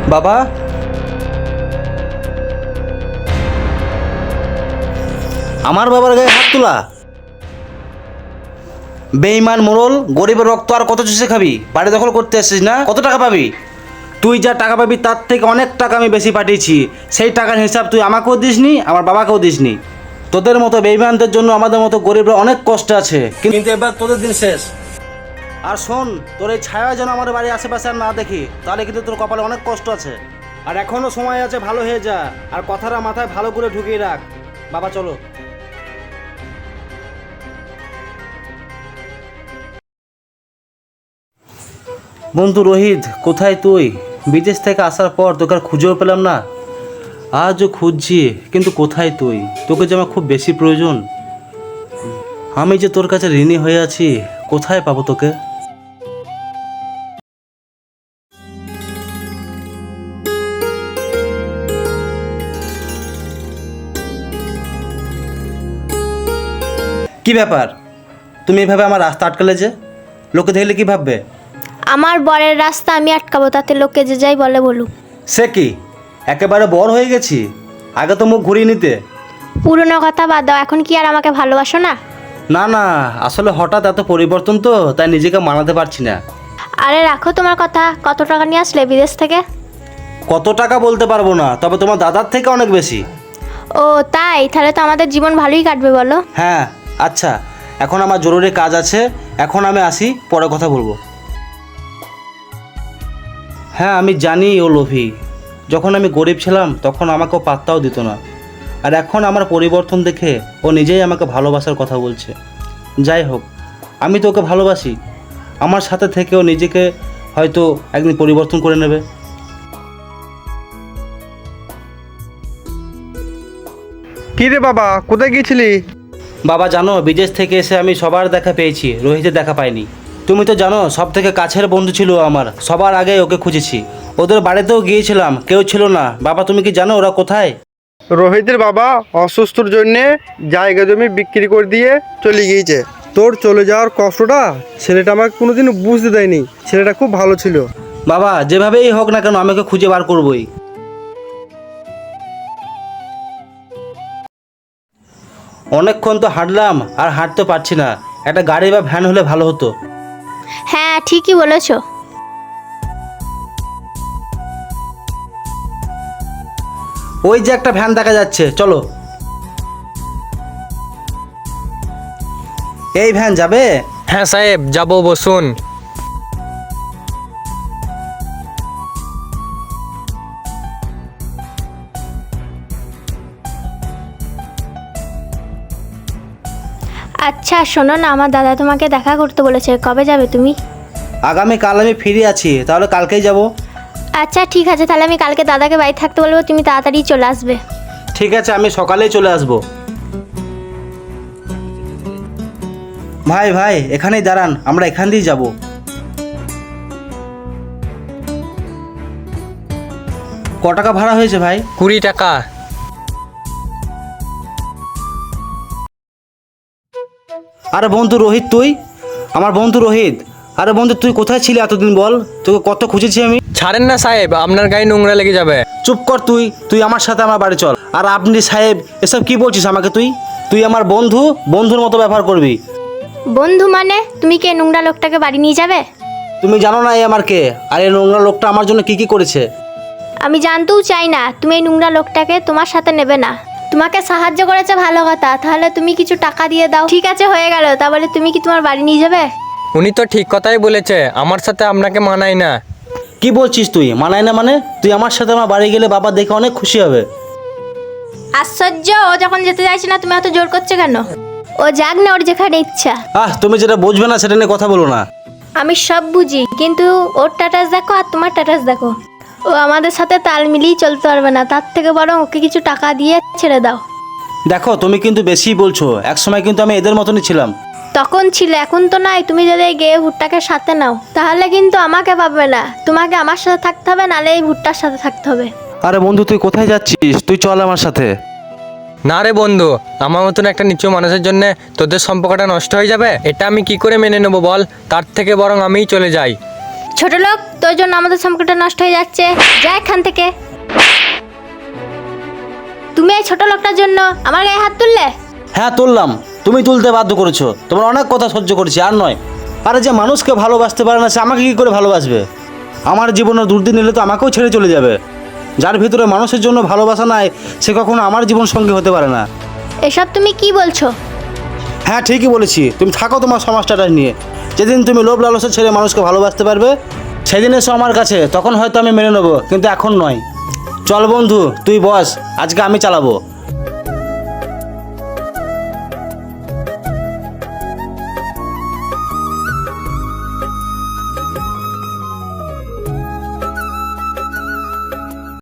বাবা, আমার বাবার গায়ে হাত তোলা? বেঈমান মোড়ল, গরিবের রক্ত আর কত চুষে খাবি? বাড়ি দখল করতে আসছিস না? কত টাকা পাবি? তুই যা টাকা পাবি তার থেকে অনেক টাকা আমি বেশি পাঠিয়েছি। সেই টাকার হিসাব তুই আমাকেও দিসনি, আমার বাবাকেও দিসনি। তোদের মতো বেঈমানদের জন্য আমাদের মতো গরিবরা অনেক কষ্ট আছে, কিন্তু এবার তোদের দিন শেষ। আর শোন, তোর এই ছায়া যেন আমার বাড়ির আশেপাশে আর না দেখি, তাহলে কিন্তু তোর কপালে অনেক কষ্ট আছে। আর এখনো সময় আছে, ভালো হয়ে যা। আর কথাটা মাথায় ভালো করে ঢুকিয়ে রাখ। বাবা চলো। বন্ধু রোহিত, কোথায় তুই? বিদেশ থেকে আসার পর তোকে আর খুঁজেও পেলাম না। আজও খুঁজছি, কিন্তু কোথায় তুই? তোকে যে আমার খুব বেশি প্রয়োজন। আমি যে তোর কাছে ঋণী হয়ে আছি, কোথায় পাবো তোকে? কি ব্যাপার, তুমি এভাবে আমার রাস্তা আটকালে যে? লোকে দেখলে কি ভাববে? আমার বরের রাস্তা আমি আটকাবো, তাতে লোকে যে যাই বলে বলুক। সে কি, একেবারে বড় হয়ে গেছি? আগে তো মুখ ঘুরিয়ে নিতে। পুরনো কথা বাদ দাও, এখন কি আর আমাকে ভালোবাসো না? না না, আসলে হঠাৎ এত পরিবর্তন তো, তাই নিজেকে মানাতে পারছি না। আরে রাখো তোমার কথা, কত টাকা নিয়ে আসলে বিদেশ থেকে? কত টাকা বলতে পারবো না, তবে তোমার দাদার থেকে অনেক বেশি। ও তাই? তাহলে তো আমাদের জীবন ভালোই কাটবে বলো। হ্যাঁ আচ্ছা, এখন আমার জরুরি কাজ আছে, এখন আমি আসি, পরে কথা বলবো। হ্যাঁ আমি জানি ও লোভী। যখন আমি গরিব ছিলাম তখন আমাকেও পাত্তাও দিত না, আর এখন আমার পরিবর্তন দেখে ও নিজেই আমাকে ভালোবাসার কথা বলছে। যাই হোক, আমি তো ওকে ভালোবাসি। আমার সাথে থেকেও নিজেকে হয়তো একদিন পরিবর্তন করে নেবে। কি রে বাবা, কোথায় গিয়েছিলি? বাবা জানো, বিদেশ থেকে এসে আমি সবার দেখা পেয়েছি, রোহিতের দেখা পাইনি। তুমি তো জানো, সব থেকে কাছের বন্ধু ছিল আমার, সবার আগে ওকে খুঁজেছি। ওদের বাড়িতেও গিয়েছিলাম, কেউ ছিল না। বাবা তুমি কি জানো ওরা কোথায়? রোহিতের বাবা অসুস্থর জন্যে জায়গা জমি বিক্রি করে দিয়ে চলে গিয়েছে। তোর চলে যাওয়ার কষ্টটা ছেলেটা আমাকে কোনোদিন বুঝতে দেয়নি। ছেলেটা খুব ভালো ছিল। বাবা যেভাবেই হোক না কেন, আমি ওকে খুঁজে বার করবই। অনেকক্ষণ তো হাঁটলাম, আর হাঁটতে পারছি না। একটা গাড়ি বা ভ্যান হলে ভালো হতো। হ্যাঁ ঠিকই বলেছো। ওই যে একটা ভ্যান দেখা যাচ্ছে, চলো। এই ভ্যান যাবে? হ্যাঁ সাহেব যাব, বসুন। আচ্ছা শোনো না, আমার দাদা তোমাকে দেখা করতে বলেছে, কবে যাবে তুমি? আগামীকাল আমি ফ্রি আছি, তাহলে কালকেই যাব। আচ্ছা ঠিক আছে, তাহলে আমি কালকে দাদাকে বাড়ি থাকতে বলবো, তুমি তাড়াতাড়ি চলে আসবে। ঠিক আছে, আমি সকালেই চলে আসব। ভাই ভাই এখানেই দাঁড়ান, আমরা এখান দিয়েই যাব। ক টাকা ভাড়া হয়েছে ভাই? 20 টাকা। আরে বন্ধু রোহিত, তুই? আমার বন্ধু রোহিত। আরে বন্ধু তুই কোথায় ছিলি এতদিন বল? তোকে কত খুঁজেছি আমি। ছাড়েন না সাহেব, আপনার গায়ে নোংরা লেগে যাবে। চুপ কর তুই, তুই আমার সাথে আমার বাড়ি চল। আর আপনি সাহেব এসব কি বলছিস আমাকে? তুই তুই আমার বন্ধু, বন্ধুর মতো ব্যবহার করবি। বন্ধু মানে? তুমি কি এই নোংরা লোকটাকে বাড়ি নিয়ে যাবে? তুমি জানো না এ আমার কে, আর এই নোংরা লোকটা আমার জন্য কি কি করেছে। আমি জানতেও চাই না। তুমি এই নোংরা লোকটাকে তোমার সাথে নেবে না। তোমাকে সাহায্য করেছে ভালো কথা, তাহলে তুমি কিছু টাকা দিয়ে দাও। ঠিক আছে হয়ে গেল, তা বলে তুমি কি তোমার বাড়ি নিয়ে যাবে? উনি তো ঠিক কথাই বলেছে, আমার সাথে আপনাকে মানায় না। কি বলছিস তুই? মানায় না মানে? তুই আমার সাথে আমার বাড়ি গেলে বাবা দেখে অনেক খুশি হবে। আশ্চর্য, ও যখন যেতে চাইছে না তুমি এত জোর করছো কেন? ও যাক না, ওর যেখানে ইচ্ছা। তুমি যেটা বুঝবে না সেটা নিয়ে কথা বলো না। আমি সব বুঝি, কিন্তু ওর স্ট্যাটাস দেখো আর তোমার স্ট্যাটাস দেখো। ও আমাদের সাথে তাল মিলিয়ে চলতে পারবে না, তার থেকে বরং ওকে কিছু টাকা দিয়ে ছেড়ে দাও। দেখো তুমি কিন্তু বেশিই বলছো, একসময় কিন্তু আমি এদের মতনই ছিলাম। তখন ছিল, এখন তো নাই। তুমি যদি এই গেয়ে ভুট্টাকে সাথে নাও, তাহলে কিন্তু আমাকে পাবে না। তোমাকে আমার সাথে থাকতে হবে, নাহলে এই ভুট্টার সাথে থাকতে হবে। আরে বন্ধু তুই কোথায় যাচ্ছিস? তুই চল আমার সাথে। না রে বন্ধু, আমার মতন একটা নিচু মানুষের জন্য তোদের সম্পর্কটা নষ্ট হয়ে যাবে, এটা আমি কি করে মেনে নেবো বল? তার থেকে বরং আমিই চলে যাই। ছোট লোক, তোর জন্য আমাদের সম্পর্কটা নষ্ট হয়ে যাচ্ছে। যা এখান থেকে। তুমি এই ছোট লোকটার জন্য আমার গায়ে হাত তুললে? হ্যাঁ তুললাম, তুমি তুলতে বাধ্য করেছো। তোমার অনেক কথা সহ্য করেছি, আর নয়। আরে যে মানুষকে ভালোবাসতে পারে না সে আমাকে কি করে ভালোবাসবে? আমার জীবনে দুর্দিন এলে তো আমাকেও ছেড়ে চলে যাবে। যার ভিতরে মানুষের জন্য ভালোবাসা নাই সে কখনো আমার জীবন সঙ্গী হতে পারে না। এসব তুমি কি বলছো? হ্যাঁ ঠিকই বলেছি, তুমি থাকো তোমার সমাজটা নিয়ে। যেদিন তুমি লোভ লালসা ছেড়ে মানুষকে ভালোবাসতে পারবে সেদিন এসো আমার কাছে, তখন হয়তো আমি মেনে নেবো, কিন্তু এখন নয়। চল বন্ধু, তুই বস, আজকে আমি চালাবো।